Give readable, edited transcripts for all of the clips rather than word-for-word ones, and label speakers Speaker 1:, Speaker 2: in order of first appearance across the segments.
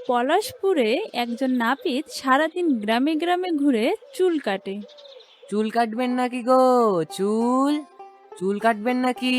Speaker 1: পলাশপুরে একজন নাপিত সারাদিন গ্রামে গ্রামে ঘুরে চুল কাটে।
Speaker 2: চুল কাটবেন নাকি গো? চুল চুল কাটবেন নাকি?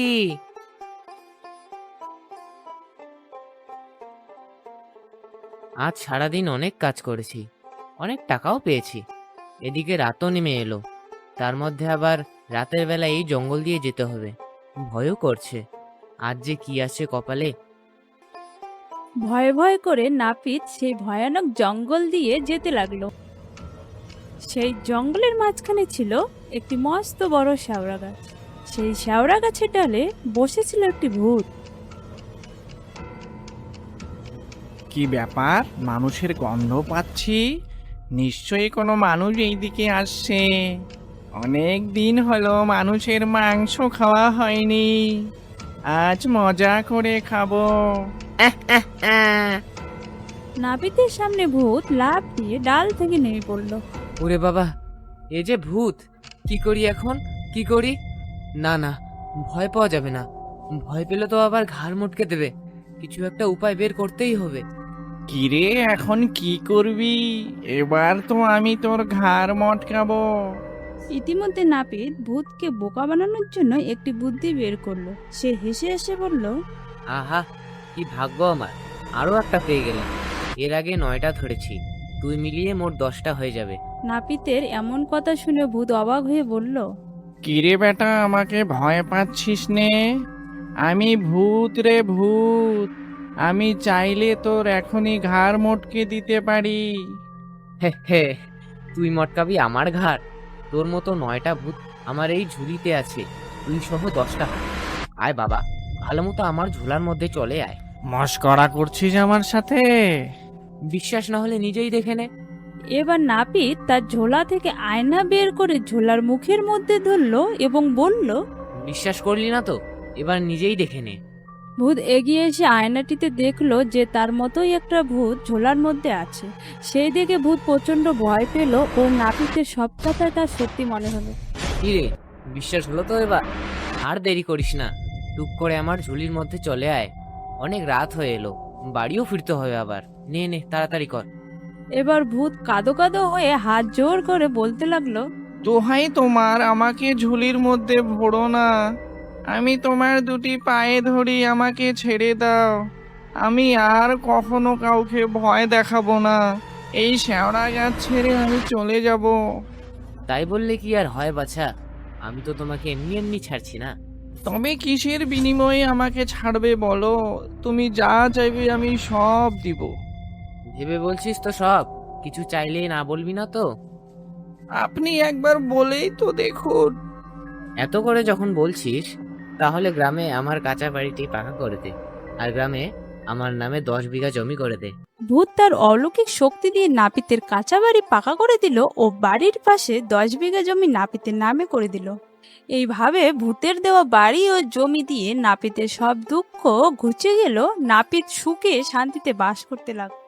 Speaker 2: আজ সারাদিন অনেক কাজ করেছি, অনেক টাকাও পেয়েছি। এদিকে রাতও নেমে এলো, তার মধ্যে আবার রাতের বেলা এই জঙ্গল দিয়ে যেতে হবে। ভয়ও করছে, আজ যে কি আছে কপালে।
Speaker 1: ভয়ে ভয়ে করে নাপিত সেই ভয়ানক জঙ্গল দিয়ে যেতে লাগলো। সেই জঙ্গলের মাঝখানে ছিল একটি মস্ত বড় শেওড়া গাছ। সেই শেওড়া গাছের ডালে বসেছিল একটি ভূত।
Speaker 3: কি ব্যাপার, মানুষের গন্ধ পাচ্ছি? নিশ্চয়ই কোনো মানুষ এইদিকে আসছে। অনেক দিন হলো মানুষের মাংস খাওয়া হয়নি, আজ মজা করে খাবো।
Speaker 1: নাপিতের সামনে ভূত লাফ দিয়ে ডাল থেকে নেমে পড়ল।
Speaker 2: ওরে বাবা, এ যে ভূত! কি করি এখন, কি করি? না না, ভয় পাওয়া যাবে না। ভয় পেলে তো আবার ঘাড় মটকে দেবে। কিছু একটা উপায় বের করতেই হবে।
Speaker 3: কিরে, এখন কি করবি? এবার তো আমি তোর ঘাড় মটকাবো।
Speaker 1: ইতিমধ্যে নাপিত ভূতকে বোকা বানানোর জন্য একটি বুদ্ধি বের করলো। সে হেসে হেসে বলল,
Speaker 2: আহা, কি ভাগ্য আমার! আরো একটা পেয়ে গেলাম। এর আগে 9টা ধরেছি, দুই মিলিয়ে মোট 10টা হয়ে যাবে।
Speaker 1: নাপিতের এমন কথা শুনে ভূত অবাক হয়ে বলল,
Speaker 3: কিরে বেটা, আমাকে ভয় পাচ্ছিস নে? আমি ভূত রে, ভূত। আমি চাইলে তোর এখনই ঘাড় মটকে দিতে পারি।
Speaker 2: হে হে, তুই মটকাবি আমার ঘাড়? তোর মতো 9টা ভূত আমার এই ঝুলিতে আছে, তুই সহ 10টা। আয় বাবা, ভালো মতো আমার ঝোলার মধ্যে চলে আয়।
Speaker 3: মস্করা করছিস আমার সাথে?
Speaker 2: বিশ্বাস না হলে নিজেই দেখে নে।
Speaker 1: এবার নাপিত তার ঝোলা থেকে আয়না বের করে ঝোলার মুখের মধ্যে ধরলো এবং বলল,
Speaker 2: বিশ্বাস করলি না তো, এবার নিজেই দেখে নে।
Speaker 1: ভূত এগিয়ে এসে আয়নাটিতে দেখলো যে তার মতোই একটা ভূত ঝোলার মধ্যে আছে। সেই দেখে ভূত প্রচন্ড ভয় পেল ও নাপিতের সব কথাই তার সত্যি মনে হলো।
Speaker 2: কি রে, বিশ্বাস হলো তো এবার? আর দেরি করিস না, টুক করে আমার ঝুলির মধ্যে চলে আয়। অনেক রাত হয়ে এলো, বাড়িও ফিরতে হবে আবার। নে নে, তাড়াতাড়ি কর।
Speaker 1: এবার ভূত কাঁদো কাঁদো হয়ে হাত জোর করে বলতে লাগলো,
Speaker 3: দোহাই তোমার, আমাকে ঝুলির মধ্যে ভরো না। আমি তোমার দুটি পায়ে ধরি, আমাকে ছেড়ে দাও। আমি আর কখনো কাউকে ভয় দেখাবো না। এই শেওড়া গাছ ছেড়ে আমি চলে যাব।
Speaker 2: তাই বললে কি আর হয় বাছা? আমি তো তোমাকে এমনি এমনি ছাড়ছি না।
Speaker 3: তবে কিসের বিনিময়ে আমাকে ছাড়বে বলো? তুমি যা চাইবে আমি সব দিব।
Speaker 2: ভেবে বলছিস তো সব? কিছু চাইলেই না বলবি না তো?
Speaker 3: আপনি একবার বলেই তো দেখুন।
Speaker 2: এত করে যখন বলছিস, তাহলে গ্রামে আমার কাঁচা বাড়িটি পাকা করে দে, আর গ্রামে আমার নামে 10 বিঘা জমি করে দে।
Speaker 1: ভূত তার অলৌকিক শক্তি দিয়ে নাপিতের কাঁচা বাড়ি পাকা করে দিল ও বাড়ির পাশে 10 বিঘা জমি নাপিতের নামে করে দিল। এইভাবে ভূতের দেওয়া বাড়ি ও জমি দিয়ে নাপিতের সব দুঃখ ঘুচে গেল। নাপিত সুখে শান্তিতে বাস করতে লাগলো।